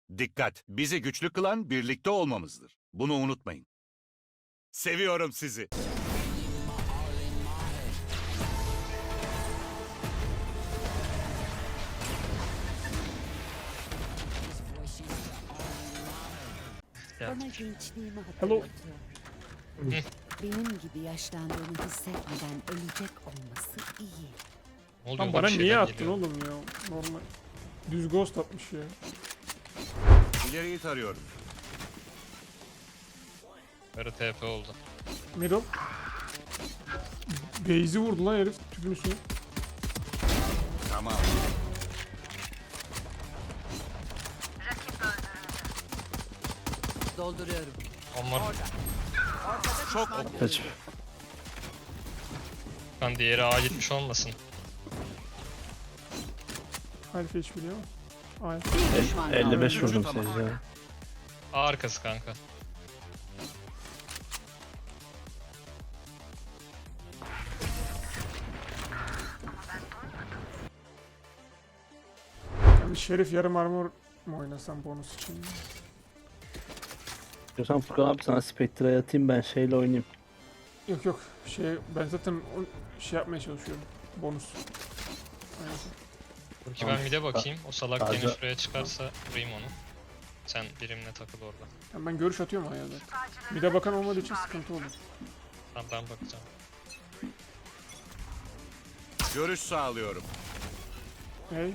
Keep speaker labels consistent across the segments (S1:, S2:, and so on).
S1: Dikkat! Bizi güçlü kılan birlikte olmamızdır. Bunu unutmayın. Seviyorum sizi.
S2: Ya.
S3: Bana gençliğimi
S4: Hello.
S3: hatırlatıyor. Benim gibi yaşlandığını hissetmeden ölecek olması iyi.
S2: Ne oluyor
S4: Lan
S2: lan,
S4: bana
S2: bir şeyler
S4: niye attın
S2: geliyor.
S4: oğlum ya? Normal. Düz ghost atmış ya.
S1: İleriyi tarıyorum.
S2: Böyle TP oldu.
S4: Middle. Base'i vurdu lan herif tüpün üstüne.
S1: Tamam.
S3: Dolduruyorum.
S2: Onlar
S1: Çok oku.
S5: Kaç.
S2: kan diğeri A gitmiş olmasın.
S4: Alfa hiç biliyor mu? Aynen.
S3: Bir düşman kaldı.
S5: 55 vurdum
S1: Tamam.
S5: Sage ya.
S2: A arkası kanka.
S4: Yani Şerif yarım armor mu oynasam bonus için?
S5: Diyorsan Furkan abi sana Spectre'ya atayım ben şeyle oynayayım.
S4: Yok yok. Ben zaten şey yapmaya çalışıyorum. Bonus. Aynen.
S2: Dur ki
S5: Tamam.
S2: ben mid'e bakayım. O salak
S5: Sadece-
S2: gene şuraya çıkarsa vurayım onu. Sen birimle takıl orada.
S4: Yani ben görüş atıyorum ayağa zaten. Bir de bakan olmadığı için sıkıntı olur.
S2: Tamam ben bakacağım.
S1: Görüş sağlıyorum.
S4: Hey.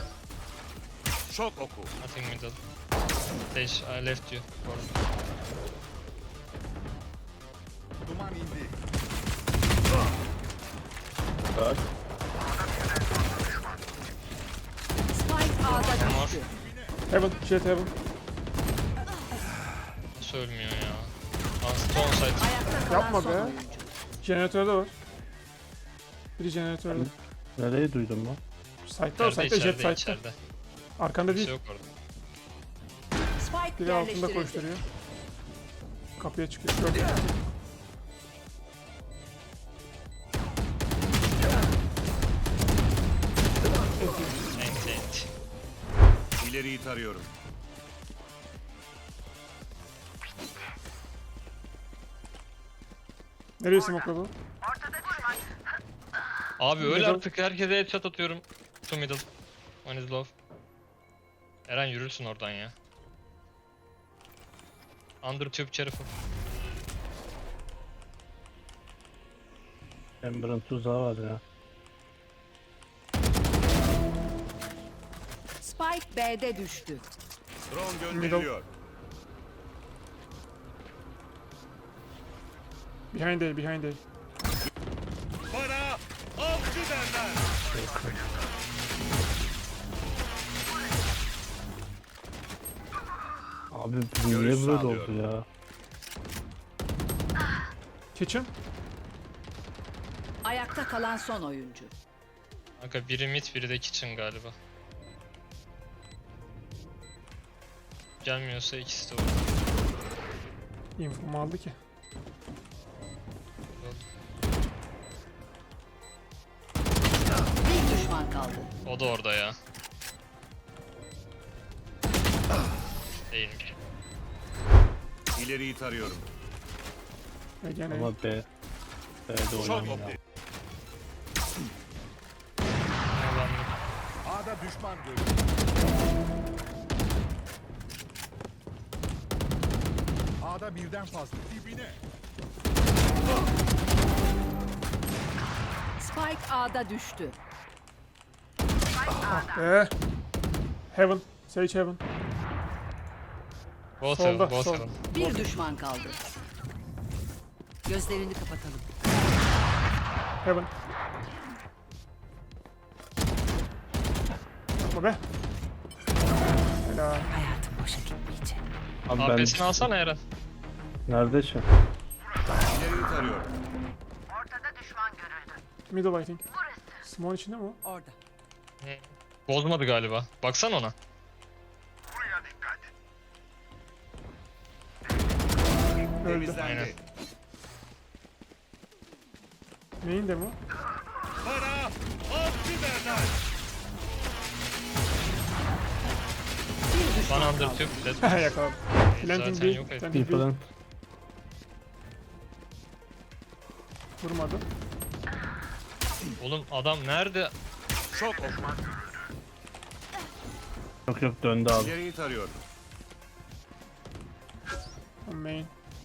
S1: Çok oku.
S2: Nothing middle. Stage, I left you. Orada.
S1: Duman indi.
S5: Bak.
S3: Spike A'da
S2: Mor.
S3: düştü.
S4: Heaven. Jet heaven.
S2: Nasıl ölmüyor ya? Stone side.
S3: Ayakta kalan
S4: Yapma
S3: son
S4: be.
S3: oyuncu.
S4: Jeneratörde var. Biri jeneratörde.
S5: Nereyi duydun lan?
S4: Site'da o
S2: İçeride,
S4: site'da jet
S2: içeride,
S4: site'da.
S2: içeride.
S4: Arkanda
S2: Kimse
S4: değil.
S2: yok orada.
S3: Spike
S4: Biri altında
S3: yerleştirildi.
S4: koşturuyor. Kapıya çıkıyor. Gördün mü?
S2: Ent ent.
S1: İleriyi tarıyorum.
S4: Nereye smokladı?
S2: Abi öyle
S4: Middle.
S2: artık herkese headshot atıyorum. To middle. One is low. Eren yürürsün oradan ya. Under tube careful.
S5: Ember'ın tuzağı var ya.
S3: Spike B'de düştü.
S1: Drone gönderiliyor.
S4: Behind A, behind A.
S1: Bana avcı derler.
S5: Abi bu
S1: Görüş
S5: niye böyle
S1: sağlıyorum.
S5: oldu ya?
S4: Kitchen.
S3: Ayakta kalan son oyuncu.
S2: Kanka biri mid biri de kitchen galiba. Gelmiyorsa ikisi de olur.
S4: Infomu aldı ki.
S3: Bir düşman kaldı.
S2: O da orada ya. Değilmiş.
S1: İleriyi tarıyorum.
S4: Ve gene
S5: Ama B'de
S1: Çok
S5: oynamıyor ya.
S1: oku.
S2: Ulan
S1: A'da düşman görüldü. A'da birden fazla. Dibine.
S3: Spike A'da düştü.
S4: Heaven. Sage Heaven.
S2: both
S4: Solda,
S2: heaven, both
S4: sol.
S2: heaven.
S3: Bir düşman kaldı. Gözlerini kapatalım.
S4: Heaven. Yapma be. Helal.
S3: Hayatım boşa gitmeyecek.
S5: Abi ben
S2: AP'sini alsana Eren.
S5: nerede şu?
S1: İleriyi tarıyorum.
S4: Middle I think. Small içinde mi o?
S3: Orada.
S2: Bozmadı galiba. Baksana ona.
S4: Öldü.
S1: Temizlendi.
S2: Aynen.
S4: Neyin de mi?
S1: Bana avcı derler.
S3: Bir düşman
S2: One under
S3: kaldı.
S2: tube. Dead.
S4: Yakaladım. Planting
S2: Zaten
S4: B.
S2: yok et.
S4: Planting B.
S5: People
S4: Vurmadı.
S2: Oğlum adam nerede?
S1: Şok oku.
S5: yok döndü abi.
S1: İleriyi tarıyorum.
S4: Main.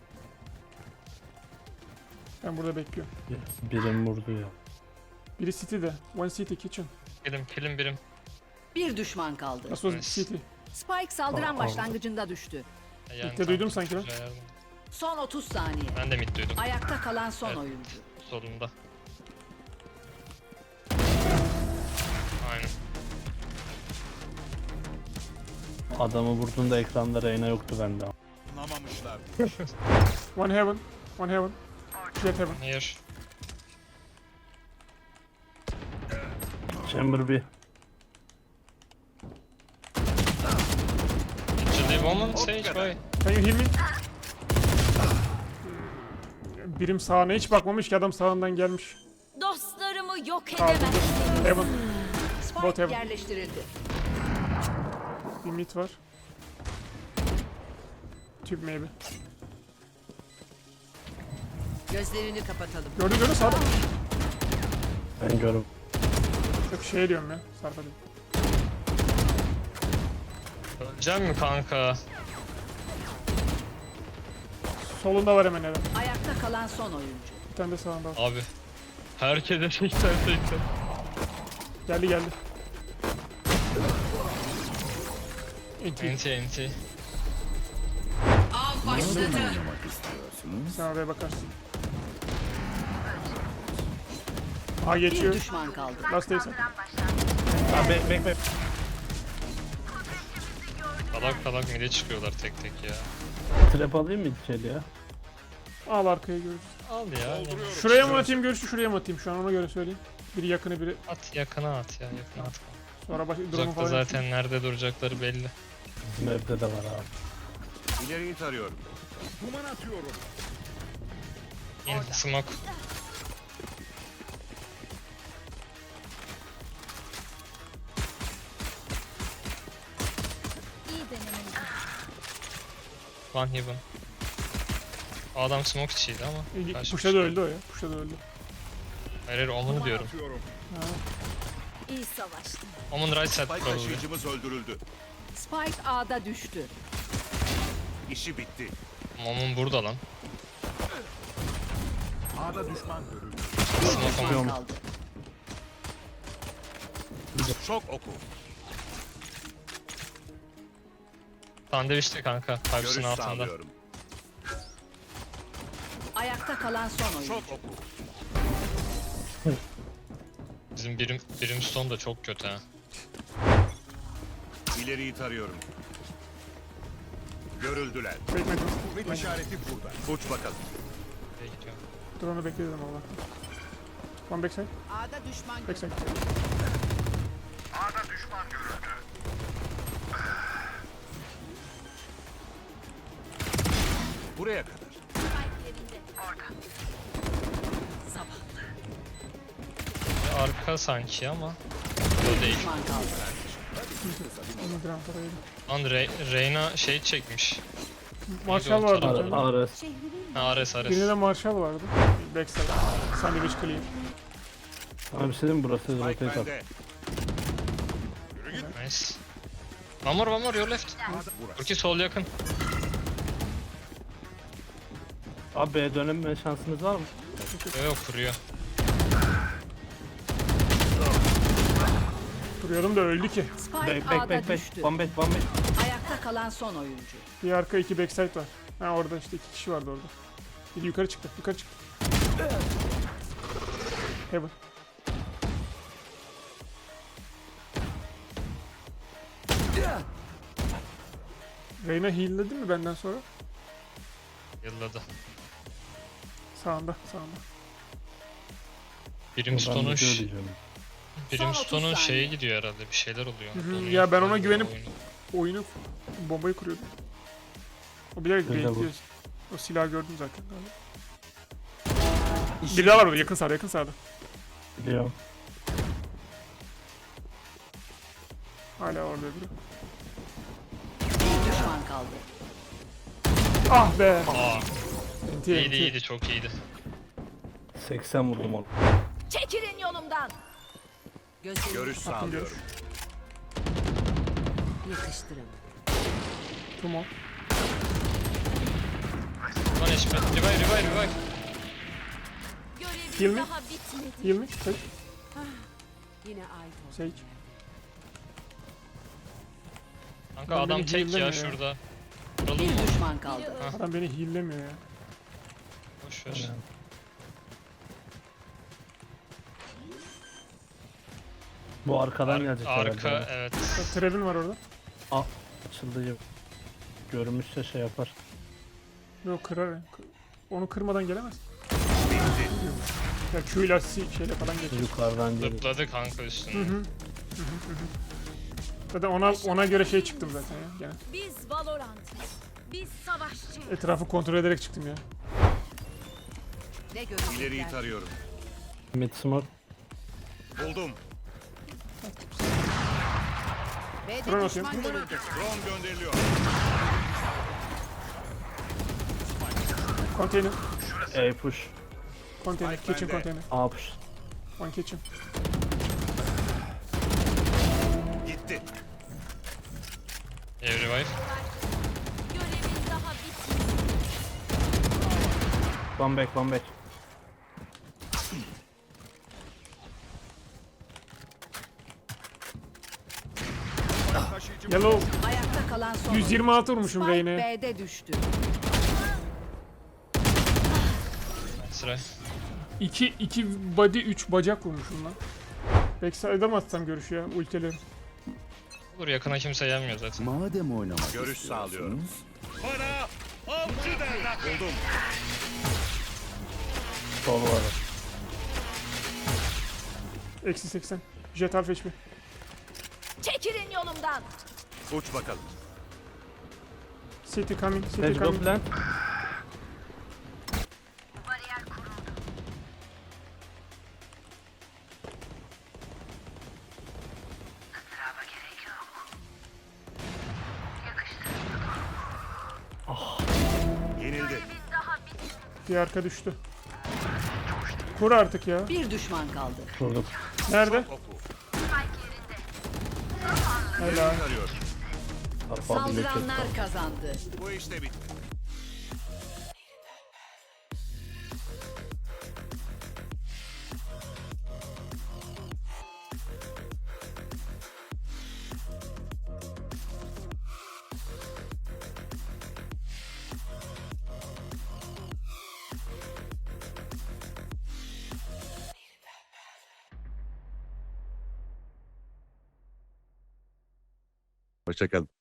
S4: Ben burada bekliyorum.
S5: Birim vurdu ya.
S4: Biri city'de. One city kitchen.
S2: Kilim birim.
S3: Bir düşman kaldı.
S4: Nasıl
S2: Nice.
S4: city?
S3: Spike saldıran
S5: Aa,
S3: başlangıcında düştü.
S2: Yani
S4: Mid'de duydum sanki lan.
S2: güzel yerden.
S3: Son 30 saniye.
S2: Ben de mid duydum.
S3: Ayakta kalan son
S2: Evet.
S3: oyuncu.
S2: Solunda. Aynen.
S5: Adamı vurduğunda ekranda Reyna yoktu bende.
S1: Anlamamışlar.
S4: One heaven. One heaven. Jet heaven.
S2: Here.
S5: Chamber bir.
S2: Actually woman sage boy.
S4: Can you heal me? Birim sağına hiç bakmamış ki adam sağından gelmiş.
S6: Dostlarımı yok
S4: Kaldı.
S6: edemezsin.
S4: Heaven. Bot
S3: Spike
S4: heaven.
S3: yerleştirildi.
S4: Bir mid var. Tube maybe.
S3: Gözlerini kapatalım.
S4: Gördün sağda.
S5: Ben görüm.
S4: Yok şey diyorum ya. Sarpa diyorum.
S2: Öleceğim mi kanka?
S4: Solunda var hemen hemen.
S3: Ayakta kalan son oyuncu.
S4: Bir tane de sağında var.
S2: Abi. Herkese 80.
S4: Geldi geldi. Enti.
S2: NT.
S3: Av başladı.
S4: Sen oraya bakarsın. A
S3: Bir
S4: geçiyor.
S3: düşman kaldı.
S4: Last days.
S5: Abi bek.
S2: Salak mid'e çıkıyorlar tek tek ya.
S5: Trap alayım mı içeri ya?
S4: Al arkaya görürsün.
S2: Al ya.
S4: Şuraya mı atayım görüşü şuraya mı atayım şu an ona göre söyleyeyim. Biri yakını biri
S2: At yakına at ya yakına at.
S4: sonra baş drone'u
S2: Uzakta
S4: falan.
S2: zaten nerede duracakları belli.
S5: Bizim evde de var abi.
S1: İleriyi tarıyorum.
S2: In smoke.
S6: İyi denemeniz.
S2: One heaven. O adam smoke içiydi ama. karşı
S4: Puşa da
S2: bir şey
S4: öldü o ya. Puşa da öldü.
S2: Hayır Omen'ı diyorum.
S4: Ha.
S6: İyi savaştın.
S2: Omen right side
S1: Spike
S2: probably.
S1: taşıyıcımız öldürüldü.
S3: Spike A'da düştü.
S1: İşi bitti.
S2: Omen burada lan.
S1: A'da düşman görüldü.
S3: Bir
S2: Smoke
S3: düşman
S2: Omen.
S3: kaldı.
S1: Şok oku.
S2: Sandviçte kanka.
S1: Görüş
S2: Pipes'ın altında.
S1: sağlıyorum.
S3: Ayakta kalan son oyuncu.
S1: Şok oku.
S2: Bizim Brimstone da çok kötü ha.
S1: İleriyi tarıyorum. Görüldüler.
S4: Bekledim.
S1: Kuvvet işareti burada. Uç bakalım.
S2: Nereye gidiyor?
S4: Drone'u bekledim Allah. One backside.
S3: A'da düşman
S4: Backside.
S1: Buraya kadar.
S2: Bir arka sanki ama. O değil.
S3: düşman kaldı.
S4: Onu ground oraya.
S2: Lan Reyna şey çekmiş.
S4: Marshall vardı. bir
S2: Tamam.
S4: tane.
S5: Ares.
S2: Ha Ares.
S4: Birinde de Marshall vardı. Backside. Sandwich clear.
S5: Abi senin burası
S1: Spike
S5: rotate at.
S1: bende.
S2: Nice. One more your left.
S1: Burası.
S2: Burki sol yakın.
S5: Abi B'ye döneme şansınız var mı?
S2: Yok kuruyor.
S4: Duruyordum da öldü ki.
S3: Spike
S5: Bek
S3: A'da düştü.
S5: One back.
S3: Ayakta kalan son oyuncu.
S4: Bir arka iki backside var. Ha orada işte iki kişi vardı orada. Biri yukarı çıktı. Yukarı çıktı. Heaven. Reyna heal'ledi mi benden sonra?
S2: Yılladı.
S4: Sağında.
S2: Brimstone'un
S5: Ben video diyeceğim.
S2: Brimstone'un
S3: 30
S2: şeye
S3: saniye.
S2: gidiyor herhalde. Bir şeyler oluyor.
S4: Hı hı.
S2: Donuyor
S4: Ya ben ona
S2: falan
S4: güvenip-
S2: oyunu.
S4: Oyunu bombayı kuruyordum. O bilerek
S5: Öyle bu.
S4: bekliyor. O silahı gördüm zaten. Biri daha var orada yakın sağda.
S5: Biliyorum.
S4: Hala orada biri.
S3: kaldı.
S4: Ah be.
S2: Aa,
S4: Enti
S2: iyiydi
S4: enti.
S2: iyiydi, çok iyiydi.
S5: 80 vurdum onu.
S6: Çekilin yolumdan.
S3: Gözlerini
S1: Görüş sağlıyorum.
S3: yakıştırın.
S4: Tamam.
S2: Lan HP. Revive.
S6: Görevim
S4: Kill mi?
S6: daha bitmedi.
S4: Heal mi? Sage.
S3: Yine ait ol.
S4: Sage.
S2: Kanka
S4: Lan
S2: adam
S4: beni
S2: tek ya
S4: heal'lemiyor ya.
S2: şurada. Vuralım mı?
S3: Bir düşman kaldı.
S6: Biri
S4: Adam beni heal'lemiyor ya.
S2: Boş ver.
S5: Bu arkadan gelecek
S2: Arka
S5: herhalde.
S2: evet.
S4: Bak, Trevin var orada.
S5: Açıldı ya. Görmüşse şey yapar.
S4: Yok kırar ya. Onu kırmadan gelemez.
S1: Bitti.
S4: Ya Q ile şeyle falan geçer.
S5: Yukarıdan geliyor.
S2: Zıpladı kanka
S4: Hı
S2: üstüne.
S4: hı. Zaten ona göre şey çıktım zaten ya. Gene.
S6: Biz Valorant'ız. Biz savaşçıyız.
S4: Etrafı kontrol ederek çıktım ya.
S3: Ne görecekler?
S1: İleriyi tarıyorum.
S5: Mid smoke.
S1: Buldum.
S3: B'de
S4: Drone
S3: düşman
S4: atıyorum.
S3: görüldü.
S1: Drone gönderiliyor.
S4: Konteyner.
S5: A push.
S4: Konteyner.
S1: Spike
S4: Kitchen
S1: bende.
S4: konteyner.
S5: A push.
S4: One kitchen.
S1: Gitti.
S2: Revive.
S6: Görevim daha bitmedi.
S5: One back.
S4: Yellow.
S3: Ayakta kalan son
S4: 126 vurmuşum
S3: oyuncu.
S4: Reyne'ye.
S3: Spike B'de düştü.
S2: Sıra.
S4: 2 body 3 bacak vurmuşum lan. Backside'a mı atsam görüşü ya ultileri?
S2: Olur, yakına kimse gelmiyor zaten.
S7: Madem oynamak
S1: Görüş sağlıyorum.
S7: istiyorsunuz,
S1: Bana avcı derler. Buldum.
S5: Sol var.
S4: Eksi 80. Jet half HP.
S6: Çekilin yolumdan.
S1: Uç bakalım.
S4: City coming. City
S5: Let's go
S4: coming.
S5: plant.
S1: Yenildi.
S4: Bir arka düştü. Kur artık ya.
S3: Bir düşman kaldı.
S5: Vurduk.
S4: Nerede?
S1: Oku.
S4: Helal.
S1: Tarıyorum.
S5: Kapağı bir
S3: Saldıranlar kazandı.
S1: Bu işte bitti. Hoşçakalın.